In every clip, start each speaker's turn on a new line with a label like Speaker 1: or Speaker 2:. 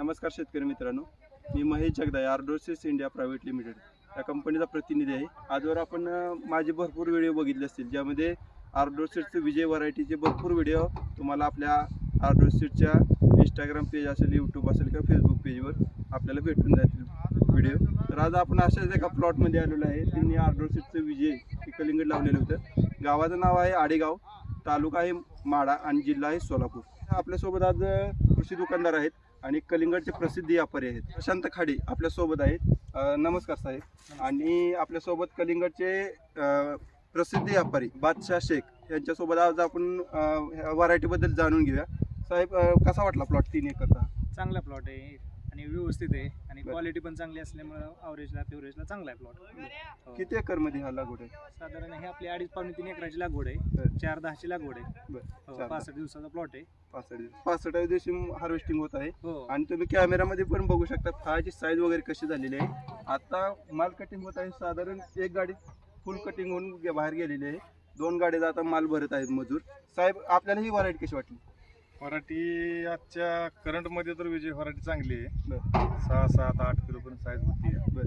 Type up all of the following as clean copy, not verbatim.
Speaker 1: नमस्कार शेतकरी मित्रांनो, मी Mahesh Jagdale, Ardosis India private limited या कंपनीचा प्रतिनिधी आहे. आजवर आपण माझे भरपूर व्हिडिओ बघितले असतील, ज्यामध्ये आर्डोसिसचे विजय व्हरायटीचे भरपूर व्हिडिओ तुम्हाला आपल्या आर्डोसिसच्या इंस्टाग्राम पेज असेल, यूट्यूब असेल किंवा फेसबुक पेजवर आपल्याला भेटून जातील व्हिडिओ. तर आज आपण अशाच एका प्लॉटमध्ये आलेलो आहे. त्यांनी आर्डोसिसचे विजय हे कलिंगड लावलेलं होतं. गावाचं नाव आहे आडेगाव, तालुका आहे माढा आणि जिल्हा आहे सोलापूर. आपल्यासोबत आज कृषी दुकानदार आहेत आणि कलिंगडचे प्रसिद्ध व्यापारी आहेत. प्रशांत खाडे आपल्यासोबत आहेत. नमस्कार साहेब. आणि आपल्यासोबत कलिंगडचे प्रसिद्ध व्यापारी बादशाह शेख यांच्यासोबत आज आपण व्हरायटीबद्दल जाणून घेऊया. साहेब, कसा वाटला प्लॉट 3 एकरचा?
Speaker 2: चांगला प्लॉट आहे आणि व्यवस्थित आहे आणि क्वालिटी पण चांगली असल्यामुळे ॲव्हरेजला चांगला आहे प्लॉट.
Speaker 1: किती एकर मध्ये हा लागवड आहे?
Speaker 2: साधारण हे आपली 2.5-3 एकराची लागवड आहे. 4-10ची लागवड आहे. 65 दिवसाचा प्लॉट आहे.
Speaker 1: 65 दिवशी हार्वेस्टिंग होत आहे.
Speaker 2: हो.
Speaker 1: आणि तुम्ही कॅमेरामध्ये पण बघू शकता फळाची साईज वगैरे कशी झालेली आहे. आता माल कटिंग होत आहे. साधारण एक गाडी फुल कटिंग होऊन बाहेर गेलेली आहे. 2 गाड्या आता माल भरत आहेत मजूर. साहेब, आपल्याला ही व्हरायटी कशी वाटली?
Speaker 3: व्हरायटी आजच्या करंट मध्ये तर विजय व्हरायटी चांगली आहे. 6-7-8 किलो पर्यंत साईज होती आहे.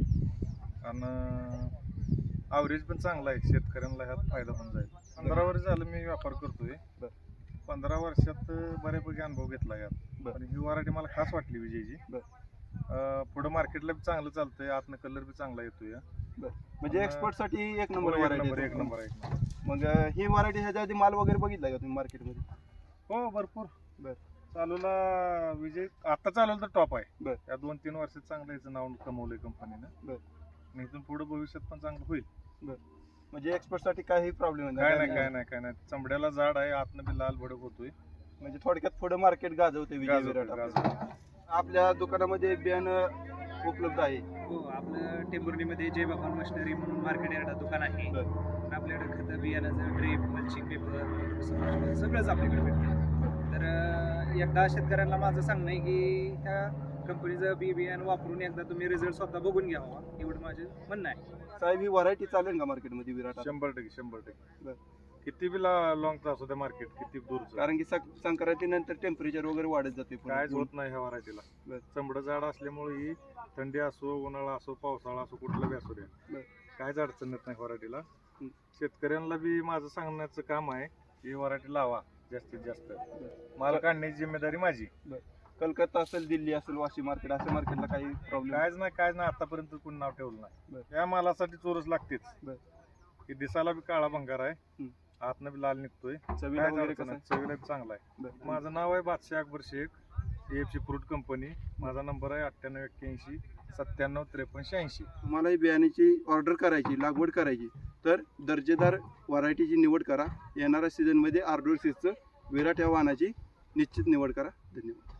Speaker 3: आणि ॲव्हरेज पण चांगला आहे. शेतकऱ्यांना ह्यात फायदा पण जाईल. 15 वर्ष झालं मी व्यापार करतोय. 15 वर्षात बऱ्यापैकी अनुभव घेतला यात. आणि ही व्हरायटी मला खास वाटली विजयची. पुढे मार्केटला बी चांगलं चालतंय. आतनं कलर बी चांगला येतोय.
Speaker 1: म्हणजे एक्सपोर्ट साठी एक नंबर व्हरायटी.
Speaker 3: एक नंबर आहे.
Speaker 1: मग ही व्हरायटी ह्याच्या आधी माल वगैरे बघितला का तुम्ही मार्केटमध्ये?
Speaker 3: हो, भरपूर. चालूला विजय आता चालवलं तर टॉप आहे. या 2-3 वर्षात चांगलं याचं नाव कमवलंय कंपनीनं. इथून पुढे भविष्यात पण चांगलं होईल.
Speaker 1: म्हणजे एक्सपोर्ट साठी काही प्रॉब्लेम
Speaker 3: काय नाही. चमड्याला जाड आहे, आतनं बी लाल भडक होतोय.
Speaker 1: म्हणजे थोडक्यात पुढे मार्केट गाजवते विजय विराट. आपल्या दुकानामध्ये बियाणं उपलब्ध आहे.
Speaker 2: हो, आपलं टेंभुर्णीमध्ये जय भगवान मशिनरी म्हणून मार्केट यार्डात दुकान आहे. आपल्याकडे खतं, बियाणाचं ड्रीप, मल्चिंग पेपर सगळंच आपल्याकडे भेटतं. तर एकदा शेतकऱ्यांना माझं सांगणं आहे की ह्या कंपनीचं बियाणं वापरून एकदा तुम्ही रिझल्ट स्वतः बघून घ्यावा, एवढं माझं म्हणणं आहे.
Speaker 1: साहेब, ही व्हरायटी चालेल का मार्केटमध्ये विराट?
Speaker 3: 100%. किती बी लॉंग असू दे मार्केट, किती दूरचं.
Speaker 1: कारण की संक्रांतीनंतर टेम्परेचर वगैरे वाढत जाते.
Speaker 3: कायच होत नाही ह्या व्हरायटीला. चमडं जाड असल्यामुळे ही थंडी असो, उन्हाळा असो, पावसाळा असो, कुठला बी असू द्या, कायच अडचण येत नाही व्हरायटीला. शेतकऱ्यांना बी माझं सांगण्याचं काम आहे ही व्हरायटी लावा जास्तीत जास्त. माल काढण्याची जिम्मेदारी माझी.
Speaker 1: कलकत्ता असेल, दिल्ली असेल, वाशी मार्केट, अशा मार्केटला काही प्रॉब्लेम?
Speaker 3: कायच नाही. आतापर्यंत कोणी नाव ठेवलं नाही. या मालासाठी चोरच लागतेच. ही दिसायला बी काळा भंगार आहे, आतनं बी लाल निघतोय. चवीला बी चांगला आहे. माझं नाव आहे Badshah Akbar Shaikh, AFC fruit company. माझा नंबर आहे 9881 97 53 80.
Speaker 1: तुम्हाला ही बियाण्याची ऑर्डर करायची, लागवड करायची तर दर्जेदार व्हरायटीची निवड करा. येणाऱ्या सीझनमध्ये आर्डोसिसचं विराट या वाहनाची निश्चित निवड करा. धन्यवाद.